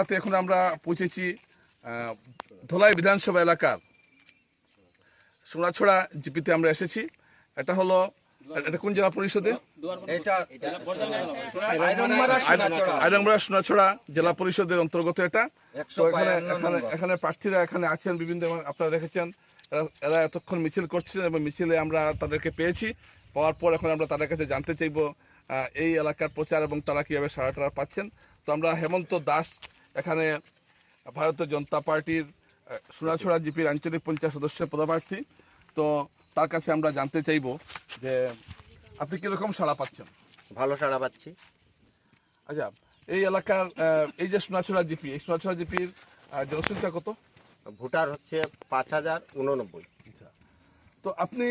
এলাকাতে এখন আমরা পৌঁছেছি ধলাই বিধানসভা এলাকার সোনাছড়া জিপিতে আমরা এসেছি। এটা হলো, এটা কোন জেলা পরিষদে? আইরংবাড়া সোনাছড়া জেলা পরিষদের অন্তর্গত এটা। তো এখানে প্রার্থীরা এখানে আছেন বিভিন্ন, আপনারা দেখেছেন এরা এতক্ষণ মিছিল করছিলেন এবং মিছিলে আমরা তাদেরকে পেয়েছি। পাওয়ার পর এখন আমরা তাদের কাছে জানতে চাইব এই এলাকার প্রচার এবং তারা কীভাবে সাড়া পাচ্ছেন। তো আমরা হেমন্ত দাস এখানে ভারতীয় জনতা পার্টির সোনাছড়া জিপির আঞ্চলিক পঞ্চায়েত সদস্যের পদপ্রার্থী। তো তার কাছে আমরা জানতে চাইব যে আপনি কিরকম সাড়া পাচ্ছেন? ভালো সাড়া পাচ্ছি। আচ্ছা, এই এলাকার এই যে সোনাছড়া জিপি, এই সোনাছড়া জিপির জনসংখ্যা কত? ভোটার হচ্ছে 5089। আচ্ছা, তো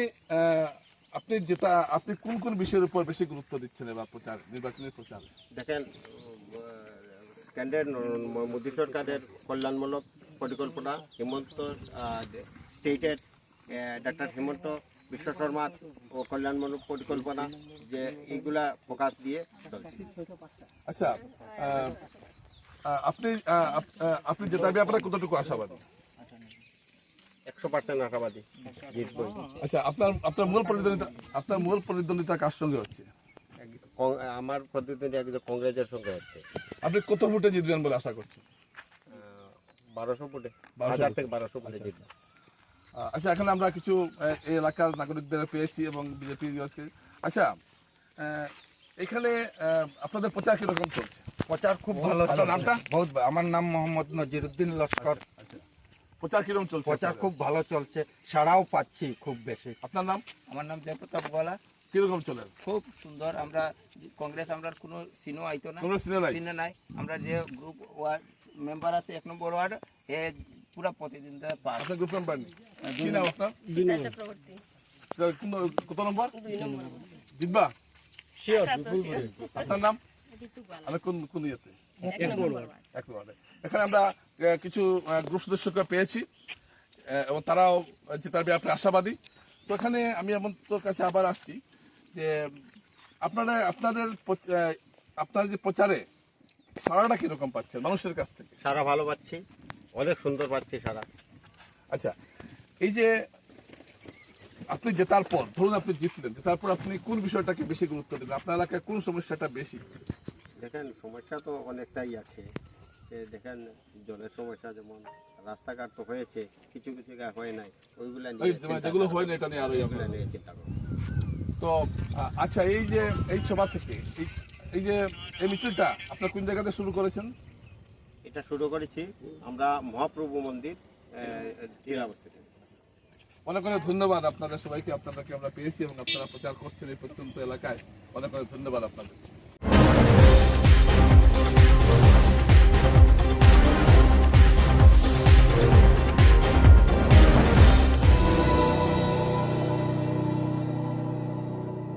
আপনি কোন কোন বিষয়ের উপর বেশি গুরুত্ব দিচ্ছেন এবার নির্বাচনের প্রচার? দেখেন, কেন্দ্রের মোদী সরকারের কল্যাণমূলক পরিকল্পনা, হিমন্ত স্টেটের ডক্টর হিমন্ত বিশ্ব শর্মার ও কল্যাণমূলক পরিকল্পনা, যে এইগুলা ফোকাস দিয়ে চলছে। আচ্ছা, আপনি জেতার ব্যাপারে কতটুকু আশাবাদী? 100% আশাবাদী জিতবই। আচ্ছা, আপনার মূল প্রতিদ্বন্দ্বিতা কার সঙ্গে হচ্ছে? আমার প্রতিদ্বন্দ্বী একজন কংগ্রেসের সঙ্গে হচ্ছে। আপনি কত ভোটে জিতবেন বলে আশা করছেন? 1200 ভোটে, 1000 থেকে 1200 ভোটে জিতবেন। আচ্ছা, এখানে আমরা কিছু এই এলাকার নাগরিকদের পেয়েছি এবং বিজেপি। আচ্ছা, এখানে আপনাদের প্রচার কিরকম চলছে? প্রচার খুব ভালো চলছে। নামটা? আমার নাম মোহাম্মদ নজিরুদ্দিন লস্কর। আচ্ছা, প্রচার কিরকম চলছে? প্রচার খুব ভালো চলছে, সাড়াও পাচ্ছি খুব বেশি। আপনার নাম? আমার নাম জয়প্রতাপ গলা। কিরকম চলে? খুব সুন্দর। আমরা কংগ্রেস, আমরা কোনো সিনও আইতো না, কোনো সিনে নাই। আমরা যে গ্রুপ ওয়ার্ড মেম্বার আছে 1 নম্বর ওয়ার্ড, এ পুরা প্রতিদিনটা পাস। আপনার গ্রুপ মেম্বার নেই? কি নাম আপনার? কত নম্বর জিতবা? আপনার নাম? আমি কোন ইয়েতে? এক নম্বরে। এখানে আমরা কিছু গ্রুপ সদস্যকে পেয়েছি এবং তারাও জেতার ব্যাপারে আশাবাদী। তো এখানে আমি তোর কাছে আবার আসছি যে আপনার যে প্রচারে সারাটা কিরকম পাচ্ছেন মানুষের কাছ থেকে? সারা ভালো পাচ্ছি, অনেক সুন্দর পাচ্ছি সারা। আচ্ছা, এই যে আপনি জেতার পর, ধরুন আপনি জিতলেন, জেতার পর আপনি কোন বিষয়টাকে বেশি গুরুত্ব দেবেন? আপনার এলাকায় কোন সমস্যাটা বেশি? দেখেন, সমস্যা তো অনেকটাই আছে। দেখেন, জলের সমস্যা, যেমন রাস্তাঘাট তো হয়েছে, কিছু কিছু জায়গায় হয় নাই, ওইগুলা যেগুলো হয় না এটা নিয়ে আরো চিন্তা করব। তো আচ্ছা, এই যে এই সভা থেকে এই যে এই মিছিলটা আপনার কোন জায়গাতে শুরু করেছেন? এটা শুরু করেছি আমরা মহাপ্রভু মন্দির টিলাবস্তি থেকে। অনেক অনেক ধন্যবাদ আপনাদের সবাইকে। আপনাদেরকে আমরা পেয়েছি এবং আপনারা প্রচার করছেন এই প্রত্যন্ত এলাকায়। অনেক অনেক ধন্যবাদ আপনাদের।